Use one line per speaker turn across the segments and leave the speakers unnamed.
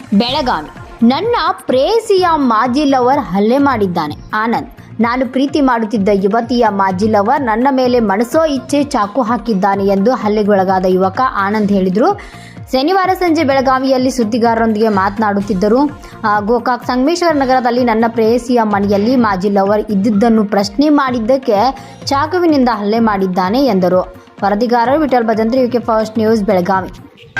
ಬೆಳಗಾವಿ. ನನ್ನ ಪ್ರೇಯಸಿಯ ಮಾಜಿ ಲವರ್ ಹಲ್ಲೆ ಮಾಡಿದ್ದಾನೆ. ಆನಂದ್. ನಾನು ಪ್ರೀತಿ ಮಾಡುತ್ತಿದ್ದ ಯುವತಿಯ ಮಾಜಿ ಲವರ್ ನನ್ನ ಮೇಲೆ ಮನಸೋ ಇಚ್ಛೆ ಚಾಕು ಹಾಕಿದ್ದಾನೆ ಎಂದು ಹಲ್ಲೆಗೊಳಗಾದ ಯುವಕ ಆನಂದ್ ಹೇಳಿದರು. ಶನಿವಾರ ಸಂಜೆ ಬೆಳಗಾವಿಯಲ್ಲಿ ಸುದ್ದಿಗಾರರೊಂದಿಗೆ ಮಾತನಾಡುತ್ತಿದ್ದರು. ಗೋಕಾಕ್ ಸಂಗಮೇಶ್ವರ ನಗರದಲ್ಲಿ ನನ್ನ ಪ್ರೇಯಸಿಯ ಮನೆಯಲ್ಲಿ ಮಾಜಿ ಲವರ್ ಇದ್ದಿದ್ದನ್ನು ಪ್ರಶ್ನೆ ಮಾಡಿದ್ದಕ್ಕೆ ಚಾಕುವಿನಿಂದ ಹಲ್ಲೆ ಮಾಡಿದ್ದಾನೆ ಎಂದರು. ವರದಿಗಾರರು Vittal Bhajantri, UK first news, Belagavi.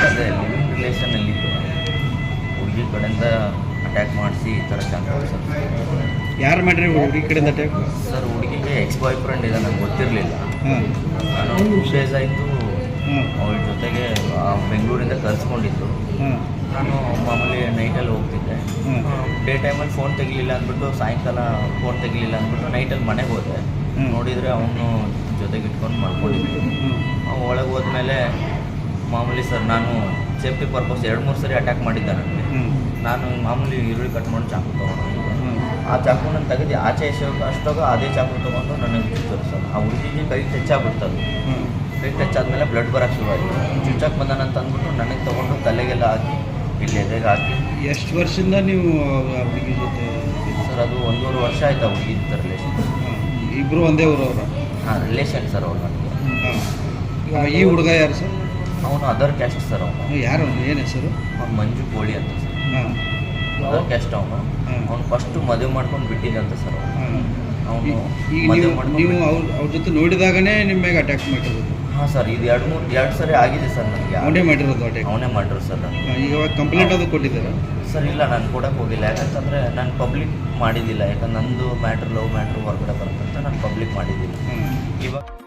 ಹುಡುಗಿ ಕಡೆಯಿಂದ ಅಟ್ಯಾಕ್ ಮಾಡಿಸಿ ಈ ಥರ
ಯಾರು ಮಾಡ್ರಿ ಹುಡುಗಿ ಕಡೆಯಿಂದ ಅಟ್ಯಾಕ್?
ಸರ್, ಹುಡುಗಿಗೆ ಎಕ್ಸ್ ಬಾಯ್ ಫ್ರೆಂಡ್ ಇದೆ, ನನಗೆ ಗೊತ್ತಿರಲಿಲ್ಲ. ನಾನು 2 ಡೇಸ್ ಆಯಿತು ಅವಳ ಜೊತೆಗೆ ಬೆಂಗಳೂರಿಂದ ಕರೆಸ್ಕೊಂಡಿದ್ದು. ನಾನು ಮಾಮೂಲಿ ನೈಟಲ್ಲಿ ಹೋಗ್ತಿದ್ದೆ. ಡೇ ಟೈಮಲ್ಲಿ ಫೋನ್ ತೆಗಿಲಿಲ್ಲ ಅಂದ್ಬಿಟ್ಟು, ಸಾಯಂಕಾಲ ಫೋನ್ ತೆಗಿಲಿಲ್ಲ ಅಂದ್ಬಿಟ್ಟು ನೈಟಲ್ಲಿ ಮನೆಗೆ ಹೋದೆ. ನೋಡಿದರೆ ಅವನು ಜೊತೆಗೆ ಇಟ್ಕೊಂಡು ಮಾಡ್ಕೊಂಡಿದ್ದೆ. ಒಳಗೆ ಹೋದ್ಮೇಲೆ ಮಾಮೂಲಿ ಸರ್, ನಾನು ಸೇಫ್ಟಿ ಪರ್ಪಸ್ 2-3 ಸರಿ ಅಟ್ಯಾಕ್ ಮಾಡಿದ್ದೆ ನನಗೆ. ನಾನು ಮಾಮೂಲಿ ಈರುಳ್ಳಿ ಕಟ್ ಮಾಡಿ ಚಾಕು ತೊಗೊಂಡು ಆ ಚಾಕುನ ತೆಗೆದು ಆಚೆ ಅಷ್ಟೋಗ ಅದೇ ಚಾಕು ತೊಗೊಂಡು ನನಗೆ ಚುಚ್ಚೋದು ಸರ್. ಆ ಹುಡುಗಿಗೆ ಕೈ ಟಚ್ ಆಗ್ಬಿಡ್ತದೆ. ಕೈ ಟಚ್ ಆದಮೇಲೆ ಬ್ಲಡ್ ಬರೋಕ್ಕೆ ಶುರುವಾಯಿತು. ಚುಚ್ಚಕ್ಕೆ ಬಂದಾನಂತ ಅಂದ್ಬಿಟ್ಟು ನನಗೆ ತೊಗೊಂಡು ತಲೆಗೆಲ್ಲ ಹಾಕಿ ಇಲ್ಲಿ ಎದೆಗೆ ಹಾಕಿ.
ಎಷ್ಟು ವರ್ಷದಿಂದ ನೀವು ಆ ಹುಡುಗಿ ಜೊತೆ?
ಸರ್, ಅದು 1.5 ವರ್ಷ ಆಯ್ತು ಆ ಹುಡುಗಿ ಜೊತೆ ರಿಲೇಷನ್.
ಇಬ್ಬರು ಒಂದೇ ಊರವ್ರ?
ಹಾಂ, ರಿಲೇಷನ್ ಸರ್ ಅವ್ರು ನನಗೆ.
ಈ ಹುಡುಗ ಯಾರು ಸರ್?
ಅವನು ಅದರ್ ಕ್ಯಾಸ್ಟ್ ಸರ್. ಅವನು
ಯಾರು? ಏನು ಹೆಸರು?
ಅವ್ನು ಮಂಜು ಕೋಳಿ ಅಂತ ಸರ್. ಅದರ್ ಕ್ಯಾಸ್ಟ್ ಅವನು. ಅವ್ನು ಫಸ್ಟು ಮದುವೆ ಮಾಡ್ಕೊಂಡು ಬಿಟ್ಟಿದ್ದಂತ ಸರ್. ಅವನು
ನೀವು ಅವ್ರ ಜೊತೆ ನೋಡಿದಾಗನೇ ನಿಮ್ಮ ಮೇಲೆ ಅಟ್ಯಾಕ್ ಮಾಡಿರೋದು?
ಹಾಂ ಸರ್, ಇದು 2 ಸರಿ ಆಗಿದೆ ಸರ್ ನನಗೆ.
ಅವನೇ ಮಾಡಿರೋದು ಅಟ್ಯಾಕ್?
ಅವನೇ ಮಾಡಿರೋ ಸರ್ ನನಗೆ.
ಈಗ ಕಂಪ್ಲೇಂಟ್ ಅದು ಕೊಟ್ಟಿದ್ದಾರೆ
ಸರ್? ಇಲ್ಲ, ನಾನು ಕೊಡೋಕ್ಕೆ ಹೋಗಿಲ್ಲ. ಯಾಕಂತಂದರೆ ನಾನು ಪಬ್ಲಿಕ್ ಮಾಡಿದ್ದಿಲ್ಲ. ಯಾಕಂದ್ರೆ ನಂದು ಲವ್ ಮ್ಯಾಟ್ರ್ ಹೊರಗಡೆ ಬರುತ್ತಂತ ನಾನು ಪಬ್ಲಿಕ್ ಮಾಡಿದ್ದಿಲ್ಲ. ಇವಾಗ